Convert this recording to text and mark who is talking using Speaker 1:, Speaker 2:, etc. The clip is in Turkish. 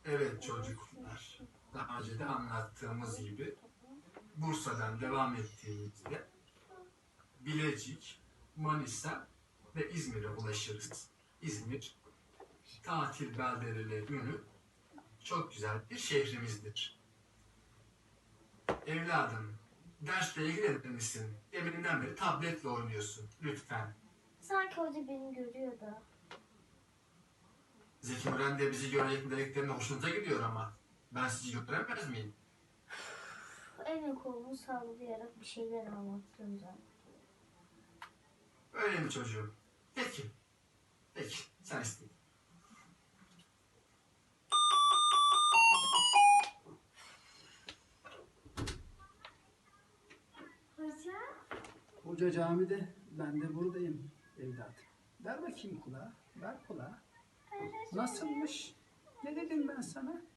Speaker 1: Evet çocuklar, daha önce de anlattığımız gibi Bursa'dan devam ettiğimizde Bilecik, Manisa ve İzmir'e ulaşırız. İzmir, tatil beldeleriyle ünlü çok güzel bir şehrimizdir. Evladım, dersle ilgilenir misin? Deminden beri tabletle oynuyorsun. Lütfen.
Speaker 2: Sanki hoca beni görüyor da.
Speaker 1: Zeki Müren de bizi görerek dediklerine hoşunuza gidiyor ama. Ben sizi göremez miyim?
Speaker 2: Elini kolunu sallayarak bir şeyler anlattım zaten.
Speaker 1: Öyle mi çocuğum? Peki. Peki. Sen istedin.
Speaker 2: Hoca?
Speaker 3: Hoca camide, ben de buradayım evladım. Ver bakayım kulağa, ver kulağa. Nasılmış? Ne dedim ben sana?